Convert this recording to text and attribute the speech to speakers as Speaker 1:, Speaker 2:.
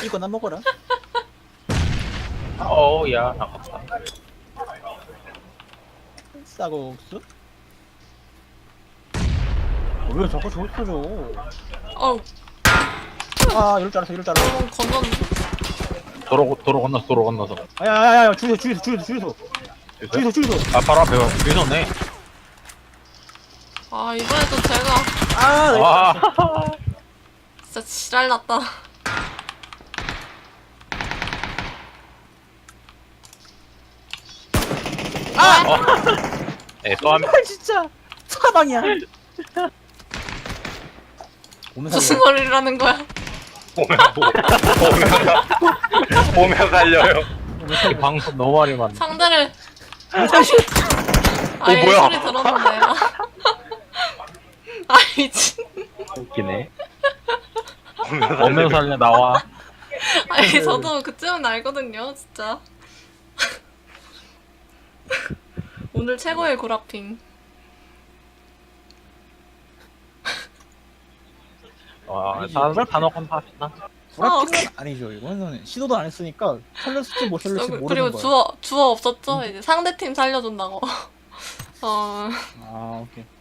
Speaker 1: 이거나 먹어라.
Speaker 2: 어우야 아깝다.
Speaker 1: 쌀국수? 왜 자꾸 저기 터져?
Speaker 3: 어우,
Speaker 1: 아 이럴 줄 알았어 이럴 줄 알았어.
Speaker 3: 너무 건졌는데.
Speaker 2: 도로 건너서.
Speaker 1: 야야야야 주유소.
Speaker 2: 아 바로 앞에 주유소네.
Speaker 3: 아, 이번에도 제가
Speaker 1: 아
Speaker 2: 아.
Speaker 3: 진짜 지랄났다.
Speaker 2: 네, 또 한.
Speaker 1: 진짜 사방이야.
Speaker 3: 무슨 소리라는 거야?
Speaker 2: 보면 살려요. 이 방송 너무 많이 봤네.
Speaker 3: 상대를 아예
Speaker 2: 뭐야?
Speaker 3: 소리 들었는데. 아 미친.
Speaker 2: 웃기네. 보면 살려 나와.
Speaker 3: 아니 저도 그쯤은 알거든요, 진짜. 오늘 최고의 구라핑.
Speaker 2: 와, 다들 단어건 다 하시나?
Speaker 1: 구라핑은 아니죠. 이거는 시도도 안 했으니까 살렸을지 못 살렸을지 모르는
Speaker 3: 그리고
Speaker 1: 거야.
Speaker 3: 주어 없었죠? 이제 상대팀 살려준다고.
Speaker 1: 아 오케이.